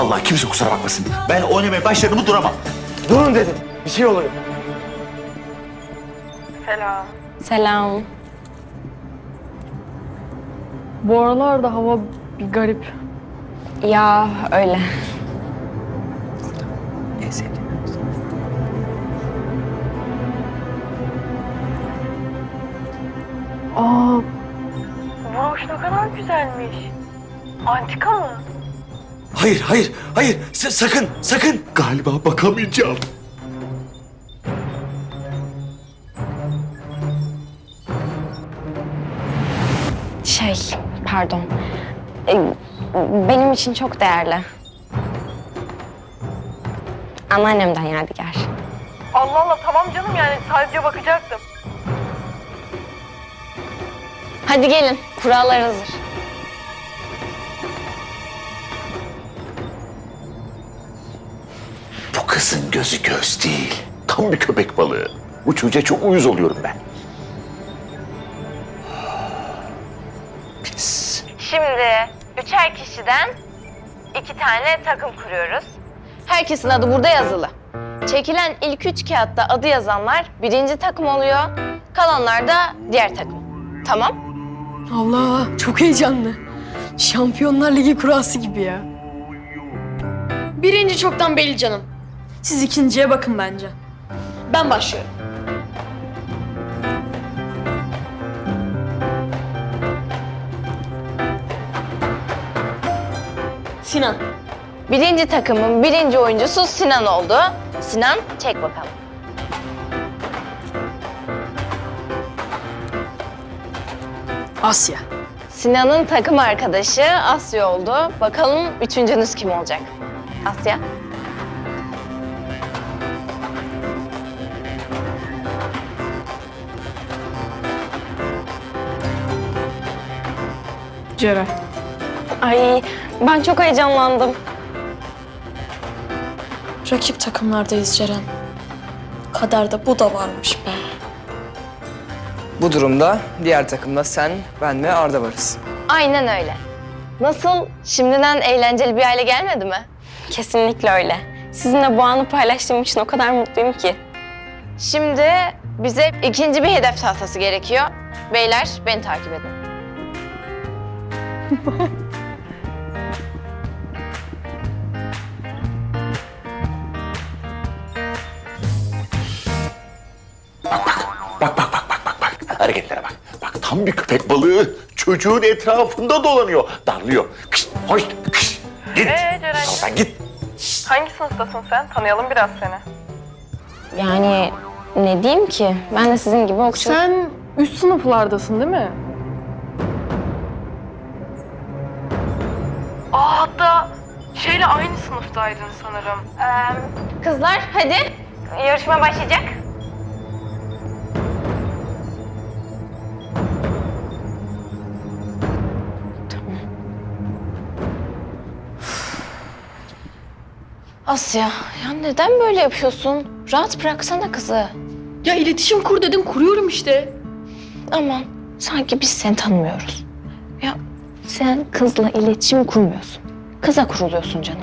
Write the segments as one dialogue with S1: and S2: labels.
S1: Vallahi kimse kusura bakmasın. Ben oynamaya başladığımı duramam.
S2: Durun dedim. Bir şey oluyor.
S3: Selam.
S4: Selam.
S3: Bu aralarda hava bir garip.
S4: Ya öyle.
S2: En sevdiğim.
S3: Aa, broş ne kadar güzelmiş. Antika mı?
S1: Hayır, hayır, hayır. Sakın, sakın. Galiba bakamayacağım.
S4: Pardon. Benim için çok değerli. Anneannemden yadigar.
S3: Allah Allah, tamam canım, yani sadece bakacaktım.
S4: Hadi gelin, kurallar hazır.
S1: Bu kızın gözü göz değil. Tam bir köpek balığı. Bu çocuğa çok uyuz oluyorum ben. Pis.
S4: Şimdi 3'er kişiden 2 tane takım kuruyoruz. Herkesin adı burada yazılı. Çekilen ilk 3 kağıtta adı yazanlar birinci takım oluyor. Kalanlar da diğer takım. Tamam?
S5: Allah çok heyecanlı. Şampiyonlar Ligi kurası gibi ya. Birinci çoktan belli canım. Siz ikinciye bakın bence. Ben başlıyorum. Sinan.
S4: Birinci takımın birinci oyuncusu Sinan oldu. Sinan, çek bakalım.
S5: Asya.
S4: Sinan'ın takım arkadaşı Asya oldu. Bakalım üçüncünüz kim olacak? Asya.
S3: Ceren.
S4: Ay, ben çok heyecanlandım.
S5: Rakip takımlardayız Ceren. Kaderde bu da varmış be.
S2: Bu durumda diğer takımda sen, ben ve Arda varız.
S4: Aynen öyle. Nasıl? Şimdiden eğlenceli bir hale gelmedi mi? Kesinlikle öyle. Sizinle bu anı paylaştığım için o kadar mutluyum ki. Şimdi bize ikinci bir hedef tahtası gerekiyor. Beyler, beni takip edin.
S1: Bak. Hareketlere bak. Bak tam bir köpek balığı. Çocuğun etrafında dolanıyor. Darlıyor. Kış, hoş, kış. Git.
S3: Ceren,
S1: Sen git.
S3: hangi sınıftasın sen? Tanıyalım biraz seni.
S4: Yani ne diyeyim ki? Ben de sizin gibi okçu...
S3: Sen üst sınıflardasın değil mi? Aa, hatta şeyle aynı sınıftaydın sanırım.
S4: Kızlar hadi. Yarışma başlayacak. Asya, ya neden böyle yapıyorsun? Rahat bıraksana kızı.
S5: Ya iletişim kur dedim, kuruyorum işte.
S4: Aman, sanki biz seni tanımıyoruz. Ya sen kızla iletişim kurmuyorsun. Kıza kuruluyorsun canım.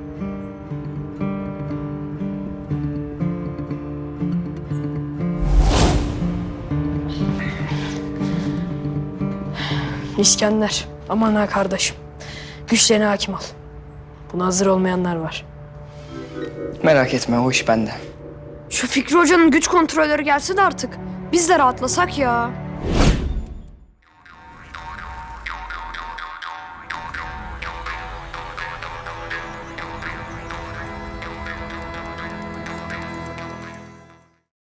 S5: İskender, aman ha kardeşim. Güçlerine hakim ol. Buna hazır olmayanlar var.
S2: Merak etme, o iş bende.
S5: Şu Fikri Hoca'nın güç kontrolleri gelse de artık biz de rahatlasak ya.